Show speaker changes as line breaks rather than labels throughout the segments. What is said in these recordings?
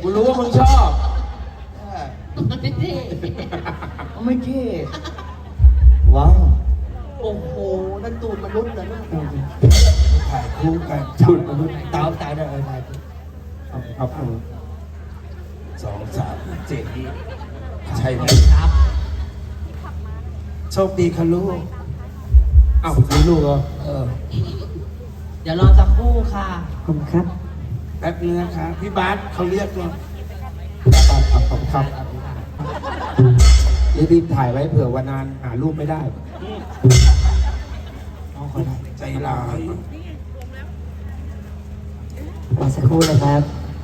กูรู้ว่ามึงชอบ
ไม่เท่
ไม่เท่ว้าว
โอ้โหนั่นตูดมนุษย์เหรอเนี่ย
ถ่ายคู่กันชุดมนุษย์ตาวตายได้ถ่าย
เอา2 3 7ใช่ไหม
ครับ
โชคดีค่ะลูก
อ้าวมีลูกเหรอ
เดี๋ยวรอสักครู่ค่ะ
ขอบคุณครับแป๊บนึงนะคะพี่บาสเขาเรียกเรา
ขอบคุณครับรีบถ่ายไว้เผื่อวันนานหารูปไม่ได้
เอาคนใจร้าย
รอสักครู่นะครับ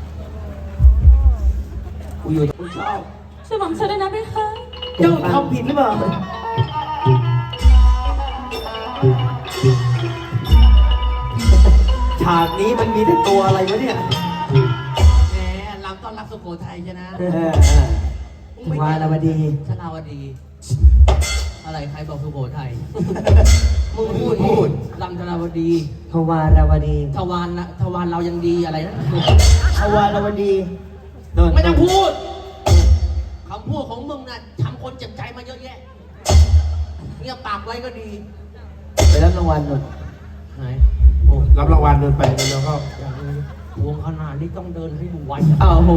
กูอยู่กูชอบ
ช่วยหม่อมฉันด้วยนะพี่คะ
เจ้าทำผิดหรือเปล่าฉากนี้มันมีแต่ตัวอะไรวะเนี่ย
แหมลำต้อนรับสุโขทัยใช่ไหม
วาลาวดี
ชนาวดี อะไรใครบอกสุโขทัย
มึงพูด
ลำชนาวดี
ทวาราวดี
ทวารนะทวารเรายังดีอะไรนะ
ชวารวดี
ไม่ต้องพูดคำพูดของมึงน่ะทำคนเจ็บใจมาเยอะแยะเงียบปากไว้ก็ดี
ไปรับรางวัลหน่อย
ไหนโอ้
รับรางวัลเดินไปแล้วก็
วงขนาดนี้ต้องเดินให้ดูไว
อ้าวโห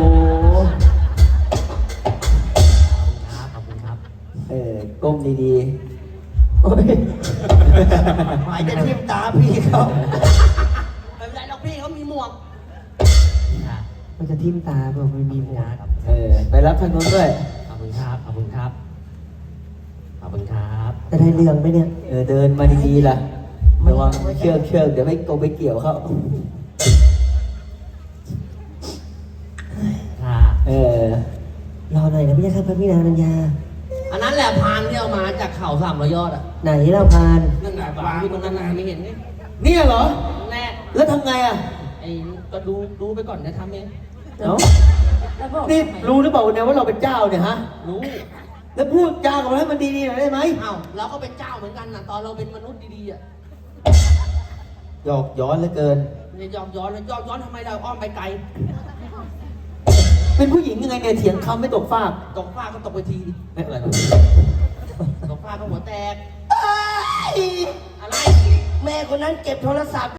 ครับขอบคุณครับ
ก้มดีๆโอ้ย
หมายจะทิ่มตาพี่เขา
ไม่เป็นไรหรอกพี่เขามีหมวก
มันจะทิ่มตาเปล่าไม่มีหมวก
ครับ
ไปรับทางโน้นด้วย
ขอบคุณครับ ขอบคุณครับ ขอบคุณครับ
จะได้เรื่องไหมเนี่ย เดินมาดีๆล่ะระวังเชือกเดี๋ยวไม่ไปเกี่ยวเขา
ค่ะ
รอหน่อยนะพี่ครับพระพี่นางนัญญา
อันนั้นแหละพานที่เอามาจากเขา300 ยอดอ่ะ
ไหนเราพาน
นั่นแหละวางอยู่ตรงนั้นนะไม่เห็นไง
เนี่ยเหรอ
แน่
แล้วทำไงอ่ะ
ไอ้ก็ดูไปก่อนจะทำเอง
เนาะ
แล้วบอก
นี่รู้หรือเปล่าเนี่ยว่าเราเป็นเจ้าเนี่ยฮะ
รู้
แล้วพูดจากับมันให้มันดีๆหน่อยได้ไหม
อ้าวเราก็เป็นเจ้าเหมือนกันนะตอนเราเป็นมนุษย์ดีๆอ่ะ
หยอกย้อนเหลือเกิน
จะยอมย้อนแล้วยอมย้อนทำไมเราอ้อมไปไกล
เป็นผู้หญิงยังไงเนี่ยเถียงคำไม่ตกฟาก
ตกฟ้าก็ตกไปทีดิอะไรวะตกฟ้าก็หัวแตก อะไร
แม่คนนั้นเก็บโทรศัพท์